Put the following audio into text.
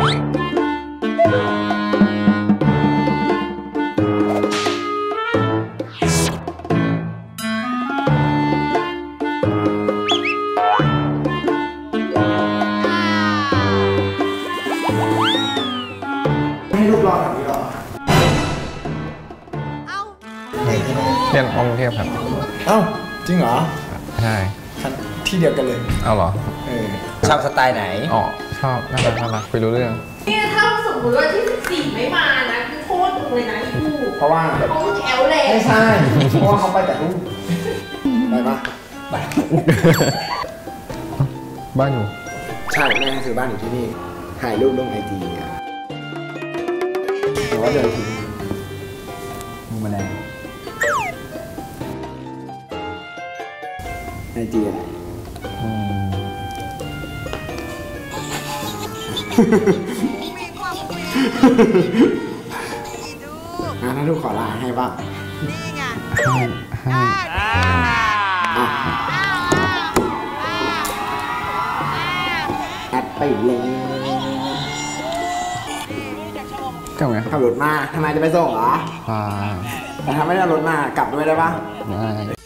ให้รูปรอแบบนี้หรอเรียนกรุงเทพครับเอ้าจริงเหรอใช่ที่เดียวกันเลยเอาเหรอชอบสไตล์ไหนอ๋อชอบน่ารักคุยรู้เรื่องเนี่ยถ้าสมมติว่าที่14ไม่มานะคือโทษเลยนะอีกูเพราะว่าเขาแอลเลยไม่ใช่เพราะว่าเขาไปแต่รูปไปปะไปบ้านอยู่ใช่แม่ซื้อบ้านอยู่ที่นี่ถ่ายรูปลงIGหรือว่าเดินถึงมูมาแล้วIGอะไรถ้าลูกขอไลน์ให้บ้างแอดไปเลยกลับไงขับรถมาทำไมจะไปส่งเหรอพาแต่ถ้าไม่ได้รถมากลับด้วยได้ปะได้